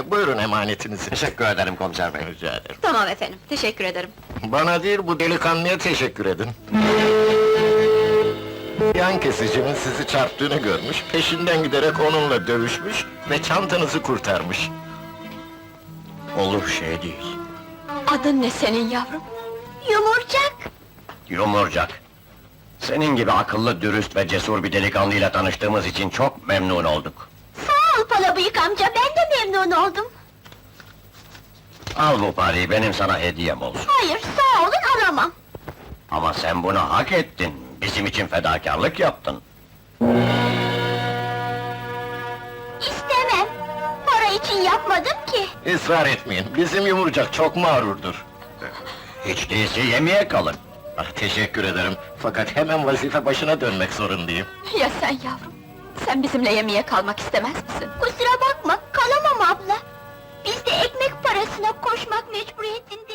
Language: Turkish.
Buyurun emanetinizi. Teşekkür ederim komiser bey. Rica ederim. Tamam efendim, teşekkür ederim. Bana değil, bu delikanlıya teşekkür edin. Yan kesicinin sizi çarptığını görmüş, peşinden giderek onunla dövüşmüş ve çantanızı kurtarmış. Olur şey değil. Adın ne senin yavrum? Yumurcak! Yumurcak. Senin gibi akıllı, dürüst ve cesur bir delikanlıyla tanıştığımız için çok memnun olduk. Sağ ol Palabıyık amca, ben de memnun oldum. Al bu parayı, benim sana hediyem olsun. Hayır, sağ olun, alamam. Ama sen bunu hak ettin. Bizim için fedakarlık yaptın. İstemem. Para için yapmadım ki. Israr etmeyin, bizim yumurcak çok mağrurdur. Hiç değilse yemeğe kalın. Ah, teşekkür ederim, fakat hemen vazife başına dönmek zorundayım. Ya sen yavrum? Sen bizimle yemeğe kalmak istemez misin? Kusura bakma, kalamam abla. Biz de ekmek parasına koşmak mecburiyetinde